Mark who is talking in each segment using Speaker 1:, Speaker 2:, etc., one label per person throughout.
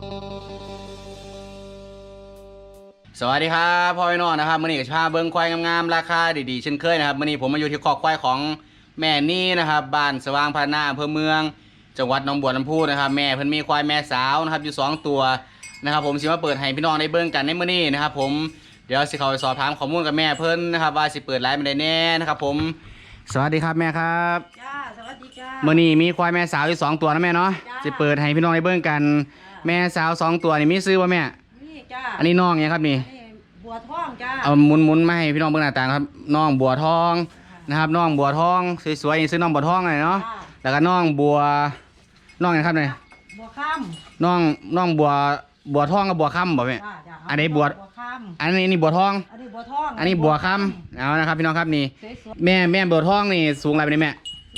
Speaker 1: สวัสดีครับพ่อพี่น้องนะครับมื่อนี้ก็พาเบิ้งควายงามๆราคาดีๆเช่นเคยนะครับมื่อนี้ผมมาอยู่ที่คอกควายของแม่นี่นะครับบ้านสว่างพัฒนาอำเภอเมืองจังหวัดหนองบัวลำพูนะครับแม่เพิ่นมีควายแม่สาวนะครับอยู่2ตัวนะครับผมสิมาเปิดให้พี่น้องได้เบิ้งกันในมื่อนี้นะครับผมเดี๋ยวสิเข้าไปสอบถามข้อมูลกับแม่เพิ่นนะครับว่าสิเปิดไลฟ์เป็นไดแน่นะครับผมสวัสดีครับแม่ครับ
Speaker 2: จ้าสวัสดีจ้า
Speaker 1: มื่อนี้มีควายแม่สาวอยู่2ตัวนะแม่เนาะสิเปิดให้พี่น้องได้เบิ้งกันแม่สาว2ตัวนี่มีซื้อว่าแม่
Speaker 2: นี่จ้า
Speaker 1: อันนี้น้องเนี่ยครับนี่
Speaker 2: บัวทองจ้า
Speaker 1: เอาหมุนมาให้พี่น้องเบิ่งหน้าตาครับน้องบัวทองนะครับน้องบัวทองสวยๆซื้อน้องบัวทองเลยเนาะแล้วก็น้องบัวน้องนะครับเนี่ย
Speaker 2: บัวค่
Speaker 1: ำน้องบัวทองกับบัวค่ำบ่แม่อันนี้บัวอันนี้บัวทอง
Speaker 2: อันนี้บัวทอง
Speaker 1: อันนี้บัวค่ำเอานะครับพี่น้องครับนี่แม่บัวทองนี่สูงอะไรเป็นแม่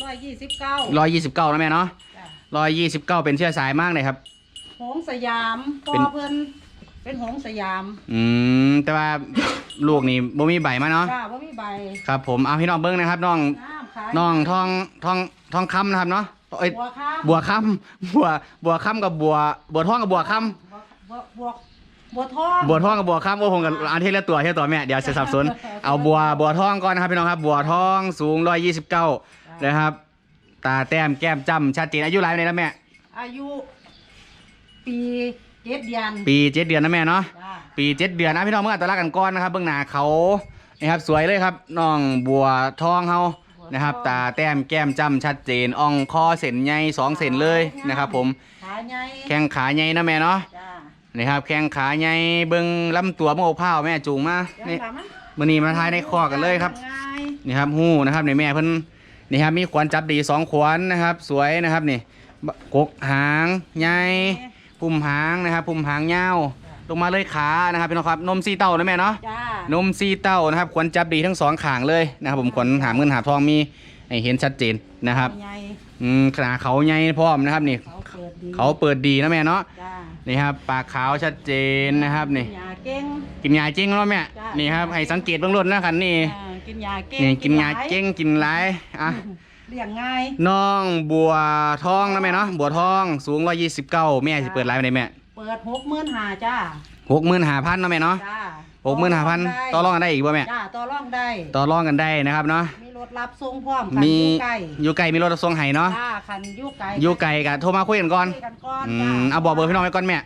Speaker 1: 129นะแม่เนาะ129เป็นเชื้อสายมากเลยครับ
Speaker 2: หงสยามพ่อเพิ่นเป็นหงสยาม
Speaker 1: แต่ว่าลูกนี่บ่มีใบมาเนาะ
Speaker 2: จ้าบ่มีใบ
Speaker 1: ครับผมเอาพี่น้องเบิ้งนะครับน้องทองคำนะครับเนาะบัวคำบัวคำกับบัวทองกับบัวคำ
Speaker 2: บัวทอง
Speaker 1: กับบัวคำโอ้ผมกับอันที่ละตัวแม่เดี๋ยวจะสับสนเอาบัวทองก่อนนะครับพี่น้องครับบัวทองสูง129นะครับตาแต้มแก้มจ้ำชัดเจนอายุหลายปีแล้วแม่
Speaker 2: อายุปี7 เดือน
Speaker 1: 7 เดือนนะแม่เนาะปี7 เดือนนะพี่น้องเมื่อตอนแรกกันก้อนนะครับเบื้องหน้าเขานะครับสวยเลยครับน้องบัวทองเขานะครับตาแต้มแก้มจ้ำชัดเจนอ่องคอเส้นใหญ่2 เส้นเลยนะครับผมแข้งขาใหญ่นะแม่เนาะนี่ครับแข้งขาใหญ่เบื้องลำตัวโมกเผาแม่จูงมานี่มื่อนี้มาทายในคอกันเลยครับนี่ครับหู้นะครับในแม่เพิ่นนี่ครับมีขวัญจับดี2 ขวัญนะครับสวยนะครับนี่กกหางใหญ่พุ่มหางนะครับพุ่มหางยาวลงมาเลยขานะครับพี่น้องครับนม4 เต้านะแม่เนาะนม4 เต้านะครับขวัญจับดีทั้ง2 ข้างเลยนะครับผมขวัญหาเงินหาทองมีให้เห็นชัดเจนนะครับขนาดเขาใหญ่พร้อมนะครับนี่เขาเปิดดีนะแม่เนาะนี่ครับปากขาวชัดเจนนะครับนี่กินยาเจ้งแล้วแม่นี่ครับให้สังเกตเบื้องต้นนะครับนี่
Speaker 2: กินยาเก่ง
Speaker 1: นี่กินยาเจ้งกินไรอ่ะ
Speaker 2: เลี้ยงง่าย
Speaker 1: น้องบัวทองนะแม่เนาะบัวทองสูง129แม่จะเปิดไลฟ์ไปไหนแม่
Speaker 2: เปิด65,000จ้า
Speaker 1: 65,000นะแม่เนาะ65,000ต่อรองกันได้อีกบ่แม่
Speaker 2: จ้าต่อรอง
Speaker 1: ได้นะครับเนาะ
Speaker 2: มีรถรับส่งพร้อมคัน
Speaker 1: อยู่ไกลมีรถรับส่งให้เนาะ
Speaker 2: จ้าคัน
Speaker 1: อยู่ไกลกันโทรมาคุยกันก่อนเอาบอกเบอร์พี่น้องไว้ก่อนแม่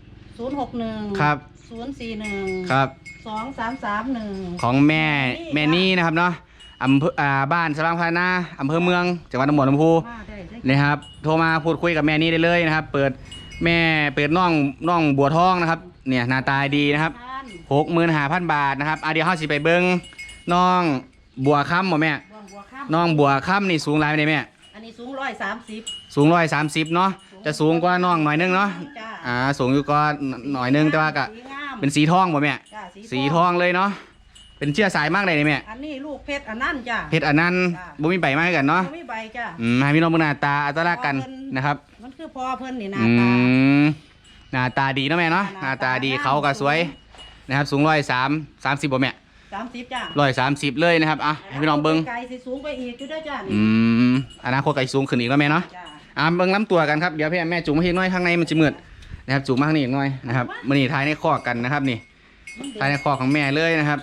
Speaker 2: 061
Speaker 1: ครับ
Speaker 2: 041
Speaker 1: ครับ
Speaker 2: 2331
Speaker 1: ของแม่นี่นะครับเนาะอำเภอบ้านสว่างพัฒนาอำเภอเมืองจังหวัดหนองบัวลำพูนะครับโทรมาพูดคุยกับแม่นี่ได้เลยนะครับเปิดน้องบัวทองนะครับเนี่ยหน้าตาดีนะครับ65,000 บาทนะครับเดี๋ยวเฮาสิไปเบิ่งน้องบัวค่ำบ่แม่น้องบัวค่ำนี่สูงหลายปานใดแม่
Speaker 2: อันนี้สูง130
Speaker 1: เนาะจะสูงกว่าน้องหน่อยนึงเนาะสูงอยู่ก็หน่อยนึงแต่ว่าก็เป็นสีทองบ่แม่สีทองเลยเนาะเป็นเชื้อสายมากเลยนี่แม่
Speaker 2: อันนี้ลูกเพชรอันนั้นจ้ะ
Speaker 1: เพชรอันนั้นบ่มีใบมาให้กันเนาะ
Speaker 2: บ่มีใบจ้ะ
Speaker 1: ให้พี่น้องเบิ่งหน้าตาอัตลักษณ์กันนะครับ
Speaker 2: มันคือพ่อเพิ่นนี่ห
Speaker 1: น้าตาดีเนาะแม่เนาะหน้าตาดีเขาก็สวยนะครับสูง130บ่แม่
Speaker 2: 30จ้ะ
Speaker 1: 130เลยนะครับให้พี่น้องเบิ่ง
Speaker 2: ไกลสิสูงไปอีกอยู่เด้อจ้ะ
Speaker 1: อนาคตไกลสูงขึ้นอีกแล้วแม่เนาะเบิ่งลำตัวกันครับเดี๋ยวพี่แม่จูงมาให้น้อยข้างในมันสิมืดนะครับจูงมาข้างนี้อีกหน่อยนะครับมื้อนี้ทายในคอกกันนะครับนี่ทายในคอกของแม่เลยนะครับ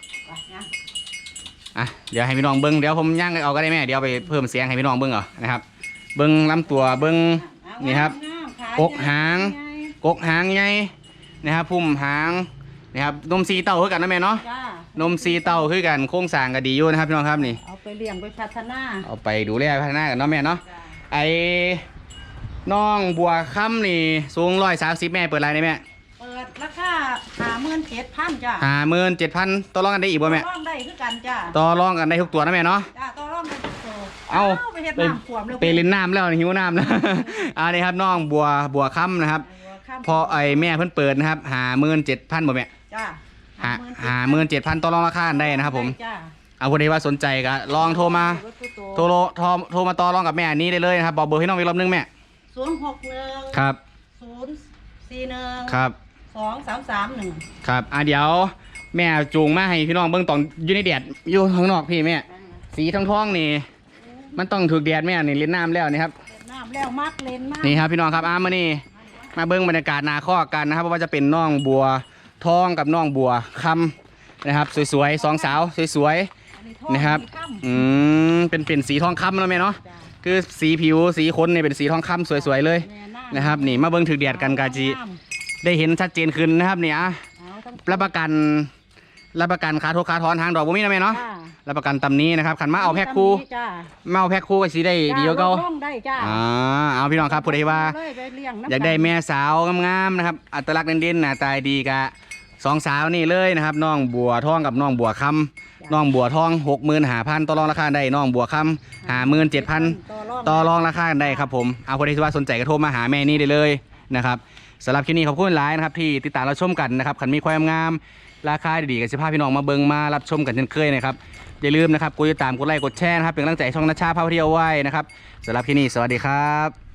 Speaker 1: เดี๋ยวให้พี่น้องเบิ้งเดี๋ยวผมย่างเอาก็ได้แม่เดี๋ยวไปเพิ่มเสียงให้พี่น้องเบิ้งเอานะครับเบิ้งลำตัวเบิ้งนี่ครับกกหางใหญ่นะครับพุ่มหางนะครับนม4 เต้าคือกันนะแม่เนาะนม4 เต้าคือกันโครงสร้างก็ดีอยู่นะครับพี่น้องครับนี่
Speaker 2: เอาไปเลี้ยงไปพัฒนา
Speaker 1: เอาไปดูแลพัฒนากันเนาะแม่เนาะไอ้น้องบัวค่ำนี่สูง130แม่เปิดอะไรได้แม่
Speaker 2: เปิดราคา57,000จ้ะ
Speaker 1: 57,000ต่อรองกันได้อีกบ่แม่
Speaker 2: ต่อรองได้คือกันจ้ะ
Speaker 1: ต่อรองกันได้ทุกตัวนะแม่เนาะ
Speaker 2: จ้ะต่อรองได้ทุกตัว
Speaker 1: เอา
Speaker 2: ไปเฮ็ดน้ำขวมแล้ว
Speaker 1: ไปเล่นน้ำแล้วหิวน้ำแล้วนี่ครับน้องบัวค่ำนะครับพอไอ้แม่เพิ่นเปิดนะครับ57,000บ่แม่
Speaker 2: จ้ะ
Speaker 1: 57,000ต่อรองราคาได้นะครับผมเอาคนใดว่าสนใจก็ลองโทรมาต่อรองกับแม่นี้ได้เลยนะครับบอกเบอร์ให้น้องอีกรอบนึงแม่
Speaker 2: 061
Speaker 1: ครับ
Speaker 2: 041
Speaker 1: ครับ
Speaker 2: 2331
Speaker 1: ครับเดี๋ยวแม่จูงมาให้พี่น้องเบิ่งตอนอยู่ในแดดอยู่ข้างนอกพี่แม่สีทองนี่มันต้องถูกแดดแม่นี่เล่นน้ำแล้วนี่ครับ
Speaker 2: เล่นน้ำแล้วมักเล่นมาก
Speaker 1: นี่ครับพี่น้องครับมื้อนี้มาเบิ้งบรรยากาศนาข้อกันนะครับว่าจะเป็นน้องบัวทองกับน้องบัวคำนะครับสวยๆสองสาวสวยๆนะครับเป็นสีทองคำแล้วไหมเนาะคือสีผิวสีขนเนี่ยเป็นสีทองคำสวยๆเลยนะครับนี่มาเบิ้งถือเดียดกันกาจีได้เห็นชัดเจนขึ้นนะครับเนี่ยรับประกันขาทุกขาถอนทางดอกบ่มีนะแม่เนาะรับประกันตำนี้นะครับขันมาเอาแพ็คคู่มาเอาแพ็คคู่ก็สีได้ดีกว่าเก่าเอาพี่น้องครับผู้ใดว่าอยากได้แม่สาวงามๆนะครับอัตลักษณ์เด่นๆหน้าตาดีกะสองสาวนี่เลยนะครับน้องบัวทองกับน้องบัวคำน้องบัวทอง 65,000ต่อรองราคาได้น้องบัวคำ57,000ต่อรองราคาได้ครับผมเอาผู้ใดที่ว่าสนใจก็โทรมาหาแม่นี่ได้เลยนะครับสำหรับคลิปนี้ขอบคุณหลายนะครับที่ติดตามเราชมกันนะครับขันมีความงามราคาดีๆกับสิภาพพี่น้องมาเบิงมารับชมกันเช่นเคยนะครับอย่าลืมนะครับกดติดตามกดไลค์กดแชร์นะครับเป็นกำลังใจช่องนัชชาพาเที่ยวไว้นะครับสำหรับคลิปนี้สวัสดีครับ